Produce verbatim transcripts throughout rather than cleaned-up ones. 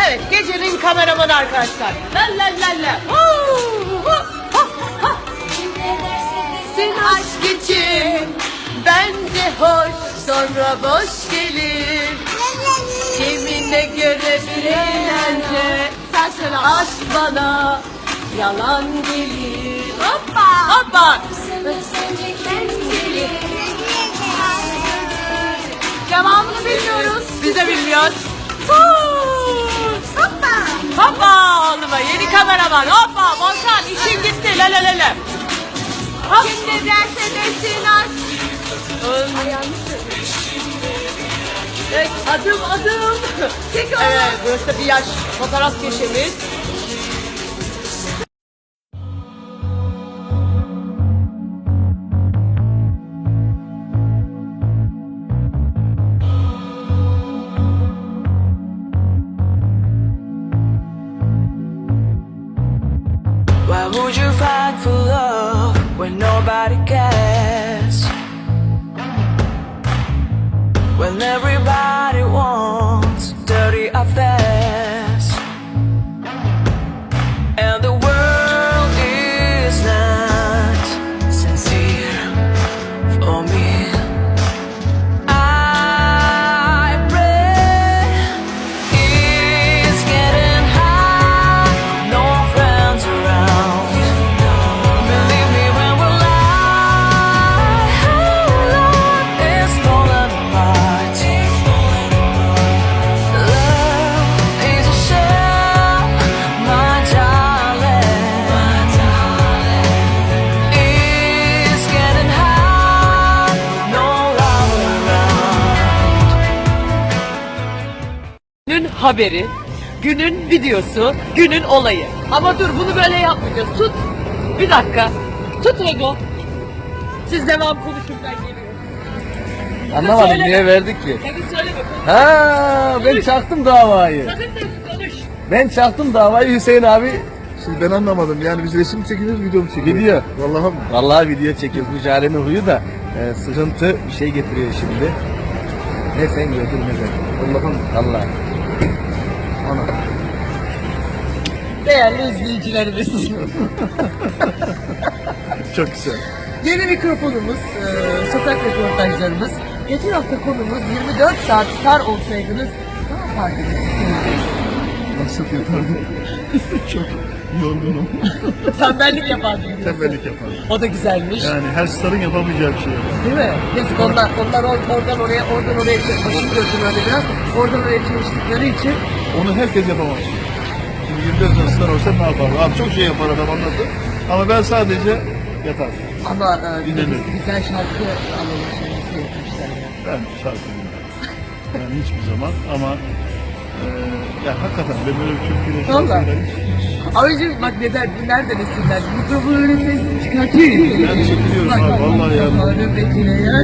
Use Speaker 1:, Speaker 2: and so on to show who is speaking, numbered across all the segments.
Speaker 1: Evet, gecenin kameramanı arkadaşlar. La la la la. Sen aşk için bence hoş, sonra boş gelir. Kimine göre bir eğlence. Sen söyle, aşk bana yalan gelir. Hoppa hoppa. Devamını bilmiyoruz. Biz de bilmiyoruz. Hoppa. Hoppa oğluma yeni kameraman. Hoppa Volkan işin gitti. La la la la. Hop. Şimdi derse desin aşk. Evet, adım adım. Evet, burası da bir yaş fotoğraf köşemiz.
Speaker 2: Why would you fight for love when nobody cares? When everybody wants dirty affairs, and the world is not sincere for me. I pray it's getting hot, no friends around. Believe me when we lie, love is falling apart. Love is a shell, my darling. It's getting hot, no love around.
Speaker 1: Günün haberi, günün videosu, günün olayı. Ama dur bunu böyle yapmayacağız. Tut. Bir dakika. Tut Rego. Siz devam konuşun ben geliyorum.
Speaker 3: Anlamadım
Speaker 1: Söyle.
Speaker 3: niye verdik ki?
Speaker 1: Sakın söyleme. Konuş.
Speaker 3: Ha ben çaktım davayı.
Speaker 1: Sakın sakın konuş.
Speaker 3: Ben çaktım davayı Hüseyin abi.
Speaker 4: Şimdi ben anlamadım. Yani biz resim mi çekiyoruz, video mu çekiyoruz?
Speaker 3: Video.
Speaker 4: Vallahi mi?
Speaker 3: Vallahi video çekiyoruz. Bu Jare'nin huyu da e, sıkıntı bir şey getiriyor şimdi. Ne sen gördün ne ben. Allah'ım. Vallahi. Ana.
Speaker 1: Değerli izleyicilerimiz.
Speaker 4: Çok güzel.
Speaker 1: Yeni mikrofonumuz, e, sokak röportajlarımız. Geçen hafta konumuz yirmi dört saat star olsaydınız ne yapardınız?
Speaker 4: Nasıl yapardım? Çok yorgunum.
Speaker 1: Tembellik yapardınız.
Speaker 4: Tembellik yapardım.
Speaker 1: O da güzelmiş.
Speaker 4: Yani her starın yapamayacağı bir şey yapar.
Speaker 1: Değil mi? Yazık onlar, onlar or- oradan oraya, oradan oraya, başım gördüm öyle biraz. Oradan oraya çalıştıkları için.
Speaker 4: Onu herkes yapamaz. Şimdi yirmi dört star olsa ne yapar? Abi çok şey yapar adam anladı. Ama ben sadece yatarım.
Speaker 1: Ama e, bir de
Speaker 4: Dinlenir.
Speaker 1: güzel şarkı alalım şimdi yapmışlar ya.
Speaker 4: Ben şarkı dinlemem. Yani hiçbir zaman ama e, ya hakikaten ben böyle bir Türkiye'de
Speaker 1: Vallahi.
Speaker 4: şarkıları hiç-
Speaker 1: Abicim bak neden, nereden esinler? Mikrofonu önüne çıkartayım.
Speaker 4: Ben çekiliyorum abi, vallahi ya.
Speaker 1: Mikrofonu bekle ya.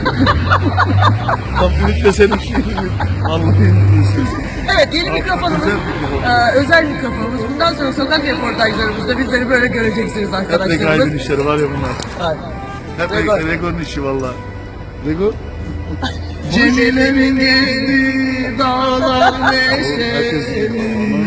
Speaker 4: Tam ümit de senin şey gibi. Vallahi ümit.
Speaker 1: Evet yeni mikrofonumuz,
Speaker 4: Özel mikrofon.
Speaker 1: e, özel mikrofonumuz. Bundan sonra sokak röportajlarımızda bizleri böyle göreceksiniz
Speaker 4: Hep Regaip'in
Speaker 1: arkadaşlarımız.
Speaker 4: işleri var ya bunlar.
Speaker 1: Aynen.
Speaker 4: Hep
Speaker 1: Rego.
Speaker 4: Rego. Rego'nun işi valla. Rego?
Speaker 1: Cemile'min geldi dağlar neşeli.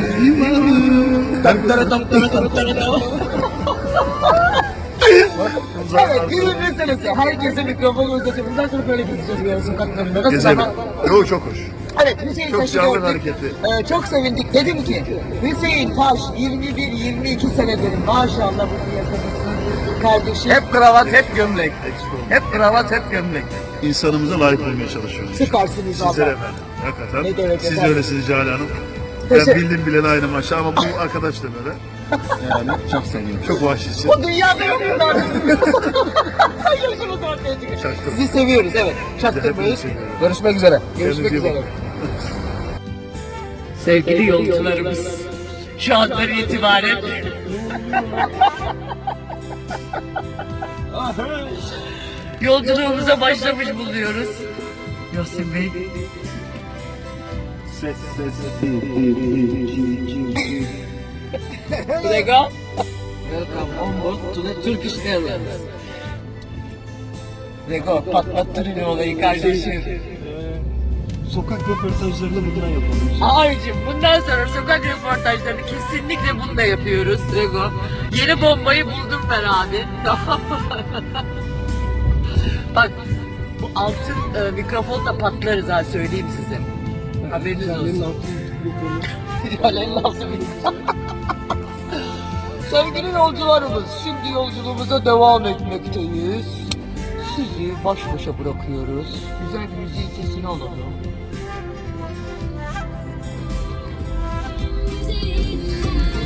Speaker 1: Evet, günün meselesi. Herkese mikrofonu uzatıyor. Bundan sonra böyle gideceğiz böyle sokaklarında. Nasıl
Speaker 4: Gezelim.
Speaker 1: ama?
Speaker 4: Yo çok hoş.
Speaker 1: Evet, Hüseyin
Speaker 4: Çok
Speaker 1: Taş'ı
Speaker 4: canlı
Speaker 1: gördük.
Speaker 4: hareketi.
Speaker 1: Ee, çok sevindik. Dedim ki, Hüseyin Taş yirmi bir yirmi iki senedir maşallah bu piyasadasın kardeşim.
Speaker 3: Hep kravat hep gömlek. Hep kravat hep gömlek.
Speaker 4: İnsanımıza layık olmaya çalışıyoruz.
Speaker 1: Süpersiniz
Speaker 4: Sizler
Speaker 1: valla.
Speaker 4: efendim. Hakikaten.
Speaker 1: Ne demek
Speaker 4: Siz de
Speaker 1: efendim.
Speaker 4: öylesiniz Cale Hanım. Ben
Speaker 1: Teşekkür-
Speaker 4: bildim bileli aynı maşa ama bu arkadaş da böyle.
Speaker 3: Yani çok seviyorum.
Speaker 4: Çok vahşisi.
Speaker 1: O dünyada yok bunlar. Yaşımız ortaya çıkıyor.
Speaker 4: Çaktım.
Speaker 1: Sizi seviyoruz evet. Çaktırmayız.
Speaker 4: Hepinizi seviyorum.
Speaker 3: Görüşmek üzere.
Speaker 1: Görüşmek
Speaker 4: Kendinize iyi
Speaker 1: üzere.
Speaker 4: bakın.
Speaker 1: Sevgili yolcularımız, şu andan itibaren yolculuğumuza başlamış bulunuyoruz. Yasin Bey.
Speaker 4: Ses ses.
Speaker 1: Rego. Welcome on board to the Turkish Airlines. Rego patlattırın olayı kardeşim.
Speaker 4: sokak röportajlarını bundan yapalım.
Speaker 1: Abicim bundan sonra sokak röportajlarını kesinlikle bununla yapıyoruz Rego. Yeni bombayı buldum ben abi. Tamam mı? Bak bu altın e, mikrofonla patlarız ha söyleyeyim size. Haberiniz olsun. Jale'nin altın mikrofonu. Sevgili yolcularımız, şimdi yolculuğumuza devam etmekteyiz. Sizi baş başa bırakıyoruz. Güzel bir müziğin sesini alalım.